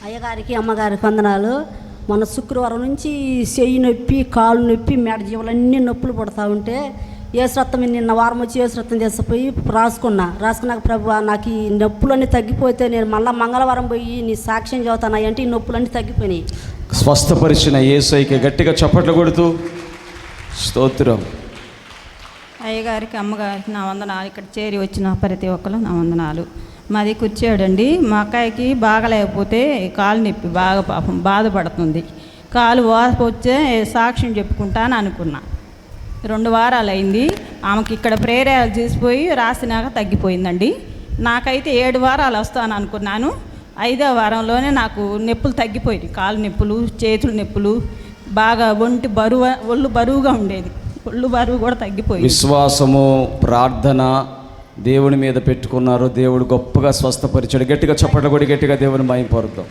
అయ్యగారికి అమ్మగారికి వందనాలు. మొన్న శుక్రవారం నుంచి చెయ్యి నొప్పి, కాళ్ళు నొప్పి, మెడ జీవులన్నీ నొప్పులు పడుతూ ఉంటే ఏసురత్తం నిన్న వారం వచ్చి ఏసురత్తం తీసుకుపోయి రాసుకున్నాక ప్రభు నాకు ఈ నొప్పులన్నీ తగ్గిపోతే నేను మళ్ళీ మంగళవారం పోయి నీ సాక్ష్యం చదువుతాను అంటే ఈ నొప్పులన్నీ తగ్గిపోయినాయి. స్వస్థపరిచిన యేసయ్యకి గట్టిగా చప్పట్లు కొడుతూ స్తోత్రం. అయ్యగారికి అమ్మగారికి నా వందనాలు. ఇక్కడ చేరి వచ్చిన ప్రతి ఒక్కరు నా వందనాలు. మాది కూర్చోడండి. మా అక్కాయికి బాగలేకపోతే కాలు నొప్పి బాగా పాపం బాధపడుతుంది. కాలు వాపు వచ్చే సాక్ష్యం చెప్పుకుంటాను అనుకున్నా. 2 వారాలు అయింది. ఆమెకి ఇక్కడ ప్రేరేలు చేసిపోయి రాసినాక తగ్గిపోయిందండి. నాకైతే 7 వారాలు వస్తాను అనుకున్నాను. 5వ వారంలోనే నాకు నొప్పులు తగ్గిపోయింది. కాలు నొప్పులు, చేతులు నొప్పులు, బాగా ఒళ్ళు బరువుగా ఉండేది. ఒళ్ళు బరువు కూడా తగ్గిపోయింది. విశ్వాసము, ప్రార్థన దేవుని మీద పెట్టుకున్నారు. దేవుడు గొప్పగా స్వస్థపరిచాడు. గట్టిగా చప్పట్లు కొడి గట్టిగా దేవుని మహిమపరుద్దాం.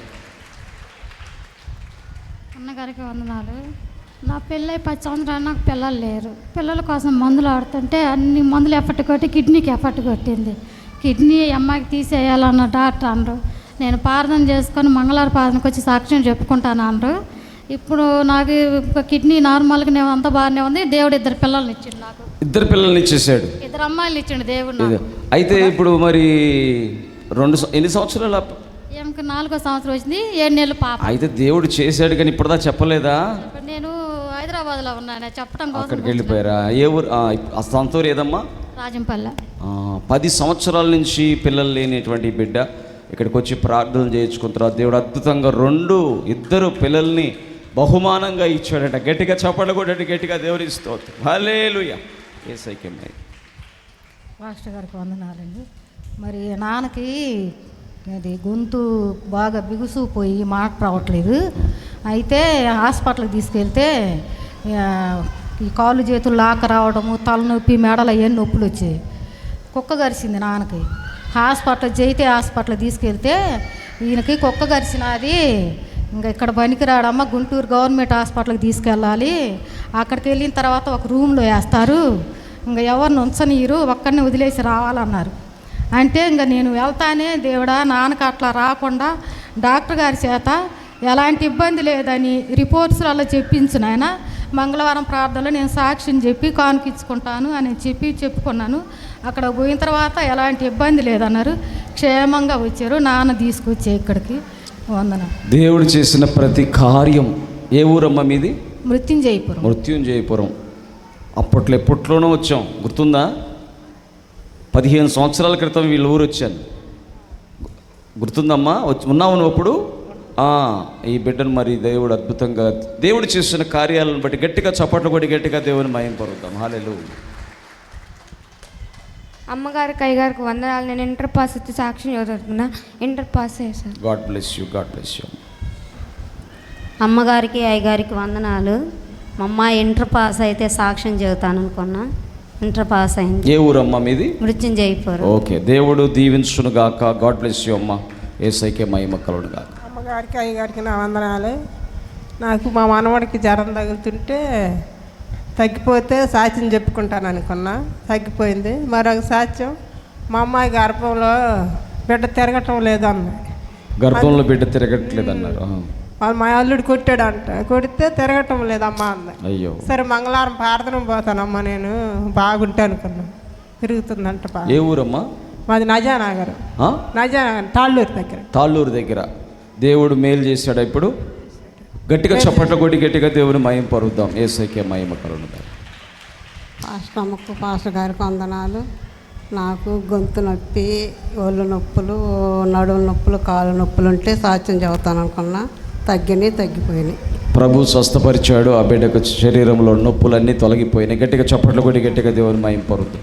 అన్నగారికి వందనాలు. నా పెళ్ళై 10 సంవత్సరాలు నాకు పిల్లలు లేరు. పిల్లల కోసం మందులు ఆడుతుంటే అన్ని మందులు ఎఫెక్ట్ కొట్టి కిడ్నీకి ఎఫెక్ట్ కొట్టింది. కిడ్నీ అమ్మాయికి తీసేయాలన్న డాక్టర్ అన్నారు. నేను ప్రార్థన చేసుకొని మంగళవారం ప్రార్థనకు వచ్చి సాక్ష్యం చెప్పుకుంటాను అన్నారు. ఇప్పుడు నాకు కిడ్నీ నార్మల్గానే అంత బాగానే ఉంది. దేవుడు 2 పిల్లల్ని ఇచ్చిండు. నాకు 2 పిల్లల్ని ఇచ్చేసాడు. 2 అమ్మాయిలు ఇచ్చిండు దేవుడు. అయితే ఇప్పుడు మరి ఎన్ని సంవత్సరాలు? ఏమికి 4వ సంవత్సరం వచ్చింది. 7 నెలలు పాప. అయితే దేవుడు చేశాడు కానీ ఇప్పుడుదా చెప్పలేదా? నేను హైదరాబాద్లో ఉన్నాను చెప్పడం కోసం. అక్కడికి వెళ్ళిపోయారా? ఏ ఊరు? ఆ సొంత ఊరు ఏదమ్మా? రాజంపల్లె. 10 సంవత్సరాల నుంచి పిల్లలు లేనిటువంటి బిడ్డ ఇక్కడికి వచ్చి ప్రార్థనలు చేయించుకున్న తర్వాత దేవుడు అద్భుతంగా 2 పిల్లల్ని బహుమానంగా ఇచ్చాడట. గట్టిగా చప్పట్లు కొట్టండి గట్టిగా దేవుని స్తోత్రం. హల్లెలూయా. యేసయ్యకే మహిమ. మాస్టర్ గారికి వందనాలండి. మరి నాన్నకి అది గొంతు బాగా బిగుసుకుపోయి మాట రావట్లేదు. అయితే హాస్పిటల్కి తీసుకెళ్తే ఈ కాళ్ళు చేతులు లాక రావడము, తలనొప్పి, మెడలు అవన్నీ నొప్పులు వచ్చాయి. కుక్క గరిచింది నాన్నకి. హాస్పిటల్కి తీసుకెళ్తే ఈయనకి కుక్క గరిచినది ఇంకా ఇక్కడ పనికిరాడమ్మ, గుంటూరు గవర్నమెంట్ హాస్పిటల్కి తీసుకెళ్ళాలి. అక్కడికి వెళ్ళిన తర్వాత ఒక రూమ్లో వేస్తారు, ఇంకా ఎవరిని ఉంచనీరు, ఒక్కరిని వదిలేసి రావాలన్నారు. అంటే ఇంకా నేను వెళ్తానే దేవుడా నాన్నకు అట్లా రాకుండా డాక్టర్ గారి చేత ఎలాంటి ఇబ్బంది లేదని రిపోర్ట్స్లలో చెప్పించిన ఆయన మంగళవారం ప్రార్థనలో నేను సాక్ష్యం చెప్పి కానుకిచ్చుకుంటాను అని చెప్పుకున్నాను. అక్కడ పోయిన తర్వాత ఎలాంటి ఇబ్బంది లేదన్నారు. క్షేమంగా వచ్చారు. నాన్న తీసుకొచ్చే ఇక్కడికి వందన. దేవుడు చేసిన ప్రతి కార్యం. ఏ ఊరమ్మ మీది? మృత్యుంజయపురం. ఎప్పట్లోనో వచ్చాం, గుర్తుందా? 15 సంవత్సరాల క్రితం వీళ్ళ ఊరు వచ్చాను, గుర్తుందమ్మా? ఉన్నావు నువ్వు అప్పుడు? ఈ బిడ్డను మరి దేవుడు అద్భుతంగా దేవుడు చేసిన కార్యాలను బట్టి గట్టిగా చప్పట్లు కొట్టి గట్టిగా దేవుని మహిమపరుద్దాం. హల్లెలూయా. అమ్మగారికి అయ్యగారికి వందనాలు. నేను ఇంటర్ పాస్ వచ్చి సాక్ష్యం చదువుతున్నా. ఇంటర్ పాస్ చేశాను. God bless you. God bless you. అమ్మగారికి అయ్యగారికి వందనాలు. మా అమ్మాయి ఇంటర్ పాస్ అయితే సాక్ష్యం చెబుతాను అనుకున్నా. ఇంటర్ పాస్ అయింది. ఏ ఊరమ్మా మీది? మృత్యుంజయపురం. ఓకే, దేవుడు దీవించును గాక. గాడ్ బ్లెస్ యూ అమ్మ. యేసయ్యకే మహిమ కలుగును గాక. అమ్మగారికి అయ్యగారికి నా వందనాలు. నాకు మా మనవడికి జ్వరం తగులుతుంటే తగ్గిపోతే సాక్ష్యం చెప్పుకుంటాను అనుకున్నా, తగ్గిపోయింది. మరొక సాక్ష్యం, మా అమ్మాయి గర్భంలో బిడ్డ తిరగటం లేదన్న. గర్భంలో బిడ్డ తిరగట్లేదన్నారు. మా అల్లుడు కొడితే తిరగటం లేదమ్మా అంది. అయ్యో. సరే మంగళవారం ప్రార్థన పోతానమ్మా, నేను బాగుంటే అనుకున్నా. తిరుగుతుందంట. ఏ ఊరమ్మా? మాది నజానగర్. తాళ్ళూరు దగ్గర. దేవుడు మేలు చేశాడు. ఇప్పుడు గట్టిగా చప్పట్లు కొట్టి గట్టిగా దేవుని మహిమ పరుద్దాం. యేసయ్యకే మహిమ కలుగును గాక. పాస్టర్ గారికి వందనాలు. నాకు గొంతు నొప్పి, ఒళ్ళు నొప్పులు, నడుము నొప్పులు, కాళ్ళు నొప్పులు ఉంటే సాక్ష్యం చెబుతాను అనుకున్నా. తగ్గిపోయినాయి. ప్రభు స్వస్థపరిచాడు. ఆ బిడ్డకు శరీరంలో నొప్పులన్నీ తొలగిపోయినాయి. గట్టిగా చప్పట్లు కొట్టి గట్టిగా దేవుని మహిమ పరుద్దాం.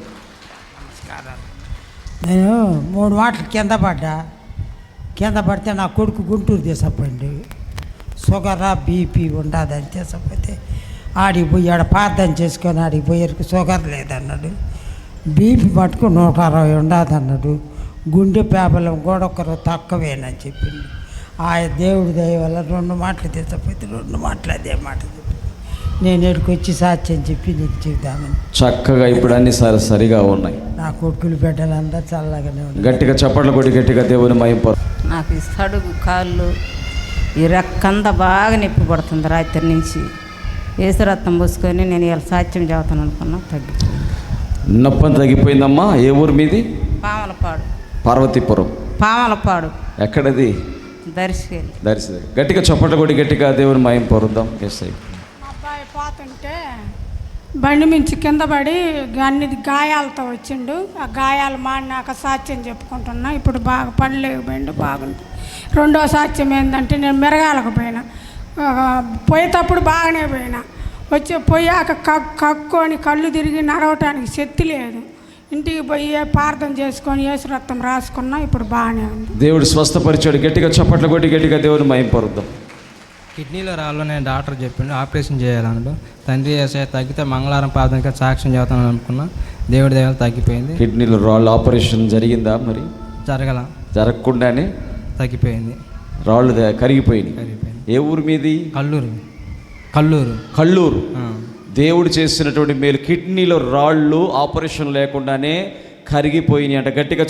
నేను 3 మాటలు కింద పడితే నా కొడుకు గుంటూరు తీసుకుపోయింది. షుగరా బీపీ ఉండదని తీసుకపోతే ఆడికి పోయి ఆడ ప్రార్థన చేసుకొని ఆడికి పోయేరికి షుగర్ లేదన్నాడు. బీపీ మటుకు 160 ఉండదన్నాడు. గుండె పేపలం కూడా ఒకరు తక్కువేనని చెప్పింది. ఆ దేవుడి దయ వల్ల 2 మాటలు తీసుకపోతే 2 మాటలు అదే మాట చెప్పి నేను ఎక్కడికి వచ్చి సాక్ష్యం చెప్పి నీకు చెబుదామని. చక్కగా ఇప్పుడు అన్ని సరిగా ఉన్నాయి. నా కొడుకులు బిడ్డలంతా చల్లగానే ఉన్నాయి. గట్టిగా చప్పట్లు కొట్టి గట్టిగా దేవుని మహిమ. నాకు సడుగు కాళ్ళు ఈ రెక్కంతా బాగా నొప్పి పడుతుంది రాత్రి నుంచి. ఏసు రక్తం పోసుకొని నేను ఇలా సాక్ష్యం చెబుతాను అనుకున్నా, తగ్గిపోయింది. నొప్పి తగ్గిపోయిందమ్మా. ఏ ఊరు మీది? పామలపాడు. పార్వతీపురం. పామలపాడు. ఎక్కడది? దర్శకెళ్ళి. దర్శి. గట్టిగా చప్పట్లు కొట్టి గట్టిగా దేవుని మహిమ పొరుద్దాం. ఎస్ అయ్యి. మా అబ్బాయి పోతుంటే బండి మించి కింద పడి అన్ని గాయాలతో వచ్చిండు. ఆ గాయాలు మాడినాక సాక్ష్యం చెప్పుకుంటున్నా. ఇప్పుడు బాగా పడలేకపోయిండు, బాగుంది. రెండో సాక్ష్యం ఏంటంటే నేను మిరగాలకు పోయినా, పోయేటప్పుడు బాగానే పోయినా, పోయాక కక్కుని కళ్ళు తిరిగి నడవటానికి శక్తి లేదు. ఇంటికి పోయి ప్రార్థన చేసుకొని యేసు రక్తం రాసుకున్నా, ఇప్పుడు బాగానే ఉంది. దేవుడు స్వస్థపరిచాడు. గట్టిగా చప్పట్లు కొట్టి గట్టిగా దేవుని మహిమ పొరుద్దాం. కిడ్నీలో రాళ్ళు నేను డాక్టర్ చెప్పిండు ఆపరేషన్ చేయాలన్నాడు. తండ్రి చేసే తగ్గితే మంగళవారం ప్రార్థనగా సాక్ష్యం చేస్తాను అనుకున్నా. దేవుడి దయవల్ల తగ్గిపోయింది. కిడ్నీలో రాళ్ళు ఆపరేషన్ జరిగిందా? మరి జరగకుండానే తగ్గిపోయింది. రాళ్ళు కరిగిపోయింది. ఏ ఊరు మీది? కల్లూరు. దేవుడు చేసినటువంటి మేలు, కిడ్నీలో రాళ్ళు ఆపరేషన్ లేకుండానే కరిగిపోయినాయి అంట. గట్టిగా